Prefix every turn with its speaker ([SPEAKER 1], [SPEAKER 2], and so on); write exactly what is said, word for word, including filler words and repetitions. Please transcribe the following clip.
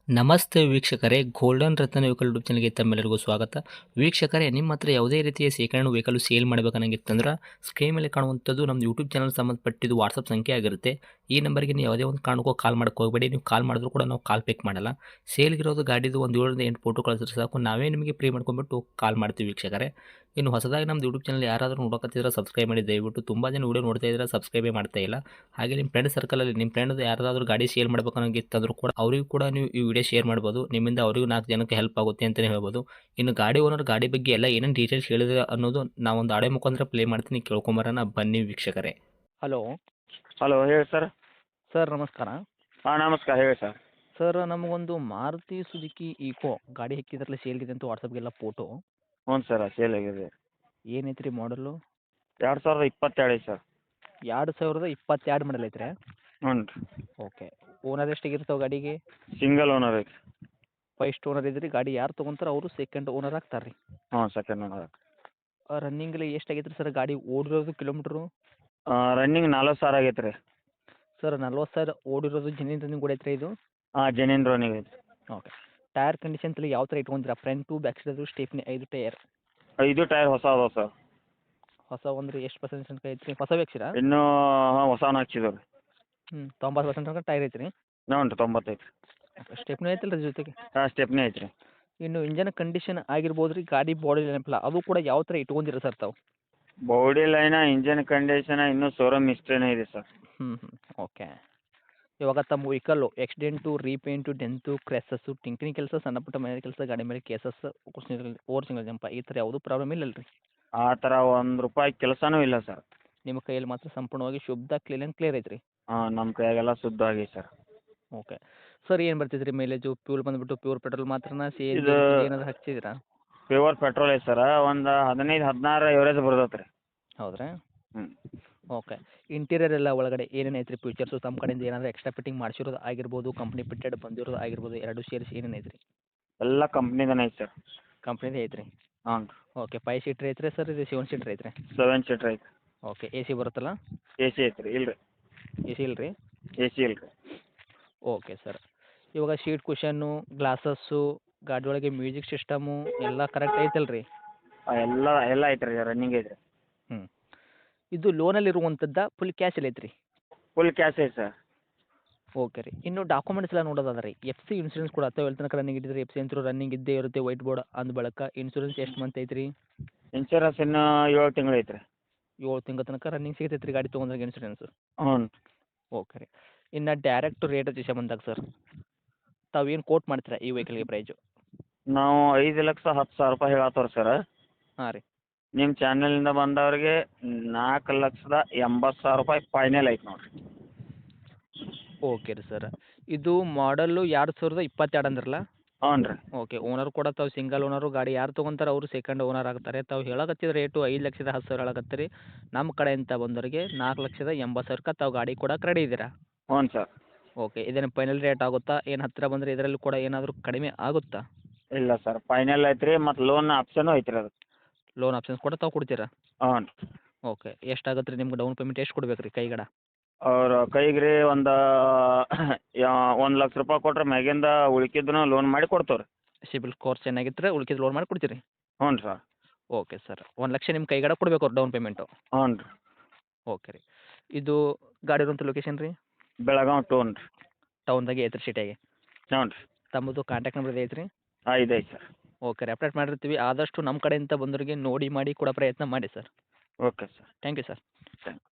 [SPEAKER 1] ನಮಸ್ತೆ ವೀಕ್ಷಕರೇ, ಗೋಲ್ಡನ್ ರತ್ನ vehicle YouTube ಚಾನಲ್ಗೆ ತಮ್ಮೆಲ್ಲರಿಗೂ ಸ್ವಾಗತ. ವೀಕ್ಷಕರೇ, ನಿಮ್ಮ ಹತ್ರ ಯಾವುದೇ ರೀತಿಯ ಶೇಖರಣೆ ವೆಹಿಕಲ್ ಸೇಲ್ ಮಾಡಬೇಕನ್ನಂಗಿತ್ತಂದ್ರೆ ಸ್ಕ್ರೀನ್ ಮೇಲೆ ಕಾಣುವಂಥದ್ದು ನಮ್ಮ ಯೂಟ್ಯೂಬ್ ಚಾನಲ್ ಸಂಬಂಧಪಟ್ಟಿದ್ದು ವಾಟ್ಸಪ್ ಸಂಖ್ಯೆ ಆಗಿರುತ್ತೆ. ಈ ನಂಬರ್ಗೆ ನೀವು ಯಾವುದೇ ಒಂದು ಕಾರಣಕ್ಕೂ ಕಾಲ್ ಮಾಡಕ್ಕೆ ಹೋಗಬೇಡಿ. ನೀವು ಕಾಲ್ ಮಾಡಿದ್ರು ಕೂಡ ನಾವು ಕಾಲ್ ಪಿಕ್ ಮಾಡಲ್ಲ. ಸೇಲ್ಗಿರೋದು ಗಾಡಿದು ಒಂದು ಏಳರಿಂದ ಎಂಟು ಫೋಟೋ ಕಳಿಸಿದ್ರೆ ಸಾಕು, ನಾವೇ ನಿಮಗೆ ಪ್ರೀ ಮಾಡ್ಕೊಂಡ್ಬಿಟ್ಟು ಕಾಲ್ ಮಾಡ್ತೀವಿ ವೀಕ್ಷಕರೇ. ಇನ್ನು ಹೊಸದಾಗಿ ನಮ್ಮದು ಯೂಟ್ಯೂಬ್ ಚಾನಲ್ ಯಾರಾದರೂ ನೋಡೋಕತ್ತಿದ್ರೆ ಸಬ್ಸ್ಕ್ರೈಬ್ ಮಾಡಿ ದಯವಿಟ್ಟು. ತುಂಬ ಜನ ವೀಡಿಯೋ ನೋಡ್ತಾ ಇದ್ದಾರೆ, ಸಬ್ಸ್ಕ್ರೈಬೇ ಮಾಡ್ತಾ ಇಲ್ಲ. ಹಾಗೆ ನಿಮ್ಮ ಫ್ರೆಂಡ್ ಸರ್ಕಲಲ್ಲಿ ನಿಮ್ಮ ಫ್ರೆಂಡ್ ಯಾರಾದರೂ ಗಾಡಿ ಸೇಲ್ ಮಾಡಬೇಕನ್ನೋಂಗಿತ್ತಂದ್ರೂ ಕೂಡ ಅವರಿಗೂ ಕೂಡ ನೀವು ಈ ವಿಡಿಯೋ ಶೇರ್ ಮಾಡ್ಬೋದು. ನಿಮ್ಮಿಂದ ಅವರಿಗೂ ನಾಲ್ಕು ಜನಕ್ಕೆ ಹೆಲ್ಪ್ ಆಗುತ್ತೆ ಅಂತಲೇ ಹೇಳ್ಬೋದು. ಇನ್ನು ಗಾಡಿ ಓನರ್ ಗಾಡಿ ಬಗ್ಗೆ ಎಲ್ಲ ಏನೇನು ಡೀಟೇಲ್ಸ್ ಹೇಳಿದ್ರೆ ಅನ್ನೋದು ನಾವೊಂದು ಆಡೆ ಮುಖಾಂತರ ಪ್ಲೇ ಮಾಡ್ತೀನಿ, ಕೇಳ್ಕೊಂಬರೋಣ ಬನ್ನಿ ವೀಕ್ಷಕರೇ.
[SPEAKER 2] ಹಲೋ
[SPEAKER 3] ಹಲೋ ಹೇಳಿ ಸರ್.
[SPEAKER 2] ಸರ್ ನಮಸ್ಕಾರ.
[SPEAKER 3] ಹಾಂ ನಮಸ್ಕಾರ ಹೇಳಿ ಸರ್.
[SPEAKER 2] ಸರ್ ನಮಗೊಂದು ಮಾರುತಿ ಸುಜುಕಿ ಈಕೋ ಗಾಡಿ ಹಾಕಿದ್ರಲ್ಲ ಸೇಲ್ಗಿದೆ ಅಂತ ವಾಟ್ಸಪ್ಗೆಲ್ಲ ಫೋಟೋ.
[SPEAKER 3] ಹ್ಞೂ ಸರ್ ಸೇಲ್ ಆಗಿದೆ.
[SPEAKER 2] ಏನೈತೆ ರೀ ಮಾಡಲು?
[SPEAKER 3] ಎರಡು ಸಾವಿರದ ಇಪ್ಪತ್ತೆರಡು ಐತೆ ಸರ್.
[SPEAKER 2] ಎರಡು ಸಾವಿರದ ಇಪ್ಪತ್ತೆರಡು ಮಾಡಲ್ ಐತ್ರಿ?
[SPEAKER 3] ಹ್ಞೂ ರೀ.
[SPEAKER 2] ಓಕೆ. ಓನರ್ ಎಷ್ಟಾಗಿರ್ತಾವೆ ಗಾಡಿಗೆ?
[SPEAKER 3] ಸಿಂಗಲ್ ಓನರ್ ಐತೆ.
[SPEAKER 2] ಫಸ್ಟ್ ಓನರ್ ಇದ್ರಿ. ಗಾಡಿ ಯಾರು ತೊಗೊಂತಾರೆ ಅವರು ಸೆಕೆಂಡ್ ಓನರ್ ಆಗ್ತಾರೆ ರೀ?
[SPEAKER 3] ಹ್ಞೂ ಸೆಕೆಂಡ್ ಓನರ್.
[SPEAKER 2] ರನ್ನಿಂಗಲ್ಲಿ ಎಷ್ಟಾಗೈತೆ ರೀ ಸರ್ ಗಾಡಿ ಓಡಿರೋದು ಕಿಲೋಮೀಟ್ರು?
[SPEAKER 3] ರನ್ನಿಂಗ್ ನಲ್ವತ್ತು ಸಾವಿರ ಆಗೈತೆ ರೀ.
[SPEAKER 2] ಸರ್ ನಲ್ವತ್ತು ಸಾವಿರ ಓಡಿರೋದು ಜೆನ್ಯೂನ್ ರನ್ನಿಂಗ್ ಓಡೈತೆ ಇದು?
[SPEAKER 3] ಹಾಂ ಜೆನ್ಯೂನ್ ರನ್ನಿಂಗ್ ಐತೆ.
[SPEAKER 2] ಓಕೆ. ಟೈರ್ ಕಂಡೀಷನ್ ತಲೆ ಯಾವ ಥರ ಇಟ್ಕೊಂತೀರಾ? ಫ್ರಂಟು ಬ್ಯಾಕ್ ಸೈಡು ಸ್ಟೇಪ್ನಿ ಐದು ಟೈರ್?
[SPEAKER 3] ಐದು ಟೈರ್ ಹೊಸ ಅದಾವೆ ಸರ್.
[SPEAKER 2] ಹೊಸ ಅಂದ್ರೆ ಎಷ್ಟು ಪರ್ಸೆಂಟ್ ತನಕ ಐತ್ರಿ? ಹೊಸ ಬೇಕ್ಸಿರಾ?
[SPEAKER 3] ಇನ್ನೂ ಹಾಂ ಹೊಸನ ಹಾಕ್ಸಿದೇವೆ ರೀ.
[SPEAKER 2] ಹ್ಞೂ ತೊಂಬತ್ತು ಪರ್ಸೆಂಟ್ ತನಕ ಟೈರ್ ಐತ್ರಿ?
[SPEAKER 3] ಹ್ಞೂ ರೀ ತೊಂಬತ್ತೈತೆ ರೀ.
[SPEAKER 2] ಸ್ಟೆಪ್ನಿ ಐತಲ್ಲ ರೀ ಜೊತೆಗೆ?
[SPEAKER 3] ಹಾಂ ಸ್ಟೆಪ್ನಿ ಐತೆ ರೀ.
[SPEAKER 2] ಇನ್ನು ಇಂಜನ್ ಕಂಡೀಷನ್ ಆಗಿರ್ಬೋದು ರೀ, ಗಾಡಿ ಬಾಡಿ ನೆನಪಿಲ್ಲ ಅದು ಕೂಡ ಯಾವ ಥರ ಇಟ್ಕೊಂಡಿರ ಸರ್ ತಾವು?
[SPEAKER 3] ಬಾಡಿ ಲೈನ ಇಂಜನ್ ಕಂಡೀಷನ್ ಇನ್ನೂ ಶೋರೂಮ್ ಹಿಸ್ಟ್ರಿನೇ ಇದೆ ಸರ್.
[SPEAKER 2] ಹ್ಞೂ ಹ್ಞೂ ಓಕೆ. ಇವಾಗ ತಮ್ಮ vehicle accident, repaint, dent, crashes, ಟಿಂಕಿನಿ ಕೆಲಸ, ಸಣ್ಣ ಪುಟ್ಟ ಮನೆ ಕೆಲಸ, ಗಾಡಿ ಮೇಲೆ ಕೇಸಸ್, ಓವರ್ ಸಿಂಗಲ್ ಜಂಪ ಈ ಥರ ಯಾವುದೂ ಪ್ರಾಬ್ಲಮ್ ಇಲ್ಲಲ್ಲ ರೀ?
[SPEAKER 3] ಆ ಥರ ಒಂದು ರೂಪಾಯಿ ಕೆಲಸನೂ ಇಲ್ಲ ಸರ್.
[SPEAKER 2] ನಿಮ್ಮ ಕೈಯಲ್ಲಿ ಮಾತ್ರ ಸಂಪೂರ್ಣವಾಗಿ ಶುದ್ಧ ಕ್ಲೀನ್ ಆ್ಯಂಡ್ ಕ್ಲಿಯರ್ ಐತ್ರಿ?
[SPEAKER 3] ಹಾಂ ನಮ್ಮ ಕೈಯಾಗೆಲ್ಲ ಶುದ್ಧ ಆಗೈತೆ ಸರ್.
[SPEAKER 2] ಓಕೆ. ಸರ್ ಏನು ಬರ್ತೈತೆ ರೀ ಮೈಲೇಜು? ಪ್ಯೂಲ್ ಬಂದುಬಿಟ್ಟು ಪ್ಯೂರ್ ಪೆಟ್ರೋಲ್ ಮಾತ್ರನಾ? ಸಿ ಎನ್ ಜಿ
[SPEAKER 3] ಇದು
[SPEAKER 2] ಏನಾದರೂ ಹಚ್ಚಿದ್ದೀರಾ?
[SPEAKER 3] ಪ್ಯೂರ್ ಪೆಟ್ರೋಲ್ ಐತೆ ಸರ್. ಒಂದು ಹದಿನೈದು ಹದಿನಾರು ಎವರೇಜ್ ಬರ್ತೈತೆ ರೀ.
[SPEAKER 2] ಹೌದ್ರಾ?
[SPEAKER 3] ಹ್ಞೂ.
[SPEAKER 2] ಓಕೆ. ಇಂಟೀರಿಯರ್ ಎಲ್ಲ ಒಳಗಡೆ ಏನೇನು ಐತ್ರಿ ಫೀಚರ್ಸು? ತಮ್ಮ ಕಡೆಯಿಂದ ಏನಾದರೂ ಎಕ್ಸ್ಟ್ರಾ ಫಿಟ್ಟಿಂಗ್ ಮಾಡಿಸಿರೋದು ಆಗಿರ್ಬೋದು, ಕಂಪ್ನಿ ಫಿಟ್ಟೆಡ್ ಬಂದಿರೋದು ಆಗಿರ್ಬೋದು, ಎರಡು ಸೇರಿಸಿ ಏನೇನು ಐತ್ರಿ?
[SPEAKER 3] ಎಲ್ಲ ಕಂಪ್ನಿದನೇ ಐತೆ ಸರ್.
[SPEAKER 2] ಕಂಪ್ನಿದೇ ಐತ್ರಿ?
[SPEAKER 3] ಹಾಂ ರೀ.
[SPEAKER 2] ಓಕೆ. ಫೈವ್ ಸೀಟ್ರ್ ಐತ್ರಿ ಸರ್? ಇದು ಸೆವೆನ್ ಸೀಟ್ರ್ ಐತ್ರಿ?
[SPEAKER 3] ಸೆವೆನ್ ಸೀಟ್ರ್ ಐತೆ.
[SPEAKER 2] ಓಕೆ. ಎ ಸಿ ಬರುತ್ತಲ್ಲ?
[SPEAKER 3] ಎ ಸಿ ಐತೆ ರೀ. ಇಲ್ಲ ರೀ
[SPEAKER 2] ಎ ಸಿ ಇಲ್ಲ ರೀ?
[SPEAKER 3] ಎ ಸಿ ಇಲ್ಲ ರೀ.
[SPEAKER 2] Okay sir. ಇವಾಗ ಶೀಟ್ ಕುಷನ್ನು, ಗ್ಲಾಸಸ್ಸು, ಗಾಡಿ ಒಳಗೆ ಮ್ಯೂಸಿಕ್ ಸಿಸ್ಟಮು ಎಲ್ಲ ಕರೆಕ್ಟ್ ಐತಲ್ಲ ರೀ?
[SPEAKER 3] ಎಲ್ಲ ಎಲ್ಲ ಐತೆ ರೀ, ರನ್ನಿಂಗ್ ಐತೆ ರೀ.
[SPEAKER 2] ಹ್ಞೂ. ಇದು ಲೋನಲ್ಲಿ ಇರುವಂಥದ್ದಾ ಫುಲ್ ಕ್ಯಾಶಲ್ಲಿ ಐತ್ರಿ?
[SPEAKER 3] ಫುಲ್ ಕ್ಯಾಶ್ ಐತೆ ಸರ್.
[SPEAKER 2] ಓಕೆ ರೀ. ಇನ್ನು ಡಾಕ್ಯುಮೆಂಟ್ಸ್ ಎಲ್ಲ ನೋಡೋದಾದ್ರೆ ರೀ, ಎಫ್ ಸಿ ಇನ್ಸೂರೆನ್ಸ್ ಕೂಡ ಅಥವಾ ಎಲ್ಲಿ ತನಕ ರನ್ನಿಂಗ್ ಇಟ್ಟಿದ್ರೆ ಎಫ್ ಸಿ ಅಂತೂ ರನ್ನಿಂಗ್ ಇದ್ದೇ ಇರುತ್ತೆ, ವೈಟ್ ಬೋರ್ಡ್ ಅಂದ ಬಳಿಕ ಇನ್ಸೂರೆನ್ಸ್ ಎಷ್ಟು ಮಂತ್ ಐತ್ರಿ?
[SPEAKER 3] ಇನ್ಶೂರೆನ್ಸ್ ಇನ್ನೂ ಏಳು ತಿಂಗಳು ಐತೆ ರೀ.
[SPEAKER 2] ಏಳು ತಿಂಗಳ ತನಕ ರನ್ನಿಂಗ್ ಸಿಗತೈತೆ ರೀ ಗಾಡಿ ತೊಗೊಂಡ್ರೆ ಇನ್ಸೂರೆನ್ಸು?
[SPEAKER 3] ಹ್ಞೂ.
[SPEAKER 2] ಓಕೆ ರೀ. ಇನ್ನು ಡೈರೆಕ್ಟ್ ರೇಟ್ ವಿಷಯ ಬಂದಾಗ ಸರ್, ತಾವು ಏನು ಕೋಟ್ ಮಾಡ್ತೀರಾ ಈ ವೆಹಿಕಲ್ಗೆ ಪ್ರೈಜು?
[SPEAKER 3] ನಾವು ಐದು ಲಕ್ಷ ಹತ್ತು ಸಾವಿರ ರೂಪಾಯಿ ಹೇಳತ್ತವ್ರಿ ಸರ್.
[SPEAKER 2] ಹಾಂ ರೀ.
[SPEAKER 3] ನಿಮ್ಮ ಚಾನಲಿಂದ ಬಂದವ್ರಿಗೆ ನಾಲ್ಕು ಲಕ್ಷದ ಎಂಬತ್ತು ಸಾವಿರ ರೂಪಾಯಿ ಫೈನಲ್ ಐತೆ ನೋಡಿರಿ.
[SPEAKER 2] ಓಕೆ ರೀ ಸರ್. ಇದು ಮಾಡಲ್ಲು ಎರಡು ಸಾವಿರದ ಇಪ್ಪತ್ತೆರಡು ಅಂದ್ರಲ್ಲ?
[SPEAKER 3] ಹ್ಞೂ ರೀ.
[SPEAKER 2] ಓಕೆ. ಓನರ್ ಕೂಡ ತಾವು ಸಿಂಗಲ್ ಓನರು, ಗಾಡಿ ಯಾರು ತೊಗೊಂತಾರೆ ಅವರು ಸೆಕೆಂಡ್ ಓನರ್ ಆಗ್ತಾರೆ. ತಾವು ಹೇಳಕತ್ತಿದ ರೇಟು ಐದು ಲಕ್ಷದ ಹತ್ತು ಸಾವಿರ ಹೇಳಕತ್ತೀರಿ. ನಮ್ಮ ಕಡೆಯಿಂದ ಬಂದವರಿಗೆ ನಾಲ್ಕು ಲಕ್ಷದ ಎಂಬತ್ತು ಸಾವಿರಕ್ಕೆ ತಾವು ಗಾಡಿ ಕೊಡಕ್ಕೆ ರೆಡಿ ಇದ್ದೀರಾ?
[SPEAKER 3] ಹ್ಞೂ ಸರ್.
[SPEAKER 2] ಓಕೆ. ಇದೇನು ಫೈನಲ್ ರೇಟ್ ಆಗುತ್ತಾ? ಏನು ಹತ್ತಿರ ಬಂದರೆ ಇದರಲ್ಲಿ ಕೂಡ ಏನಾದರೂ ಕಡಿಮೆ ಆಗುತ್ತಾ?
[SPEAKER 3] ಇಲ್ಲ ಸರ್ ಫೈನಲ್ ಐತೆ ರೀ. ಮತ್ತು ಲೋನ್ ಆಪ್ಷನು ಐತೆ ರೀ ಅದಕ್ಕೆ.
[SPEAKER 2] ಲೋನ್ ಆಪ್ಷನ್ಸ್ ಕೂಡ ತಾವು ಕೊಡ್ತೀರಾ?
[SPEAKER 3] ಹ್ಞೂ ರೀ.
[SPEAKER 2] ಓಕೆ. ಎಷ್ಟಾಗುತ್ತೆ ರೀ ನಿಮ್ಗೆ ಡೌನ್ ಪೇಮೆಂಟ್ ಎಷ್ಟು ಕೊಡ್ಬೇಕು ರೀ ಕೈಗಡ?
[SPEAKER 3] ಅವ್ರ ಕೈಗೆ ರೀ ಒಂದು ಒಂದು ಲಕ್ಷ ರೂಪಾಯಿ ಕೊಟ್ರೆ ಮ್ಯಾಗಿಂದ ಉಳ್ಕಿದ್ದನ್ನು ಲೋನ್ ಮಾಡಿ ಕೊಡ್ತೇವೆ ರೀ.
[SPEAKER 2] ಸಿಬಿಲ್ ಸ್ಕೋರ್ ಚೆನ್ನಾಗಿದ್ದರೆ ಉಳ್ಕಿದ್ದು ಲೋನ್ ಮಾಡಿ ಕೊಡ್ತೀರಿ?
[SPEAKER 3] ಹ್ಞೂ ಸರ್.
[SPEAKER 2] Okay sir. ಒಂದು ಲಕ್ಷ ನಿಮ್ಮ ಕೈಗಡ ಕೊಡಬೇಕು ಅವ್ರು ಡೌನ್ ಪೇಮೆಂಟು?
[SPEAKER 3] ಹ್ಞೂ ರೀ.
[SPEAKER 2] ಓಕೆ ರೀ. ಇದು ಗಾಡಿ ಇರುವಂಥ ಲೊಕೇಶನ್ ರೀ?
[SPEAKER 3] ಬೆಳಗಾವಿ ಟೌನ್ ರೀ.
[SPEAKER 2] ಟೌನ್ದಾಗೆ ಐತ್ರಿ ಸಿಟಿಯಾಗೆ?
[SPEAKER 3] ಹ್ಞೂ ರೀ.
[SPEAKER 2] ತಮ್ಮದು ಕಾಂಟ್ಯಾಕ್ಟ್ ನಂಬರ್ ಐತ್ರಿ?
[SPEAKER 3] ಹಾಂ ಇದೆ ಐತೆ ಸರ್.
[SPEAKER 2] ಓಕೆ ರೀ. ಅಪ್ಡೇಟ್ ಮಾಡಿರ್ತೀವಿ. ಆದಷ್ಟು ನಮ್ಮ ಕಡೆಯಿಂದ ಬಂದವರಿಗೆ ನೋಡಿ ಮಾಡಿ ಕೊಡೋ ಪ್ರಯತ್ನ ಮಾಡಿ sir.
[SPEAKER 3] Okay sir.
[SPEAKER 2] Thank you sir.
[SPEAKER 3] Thank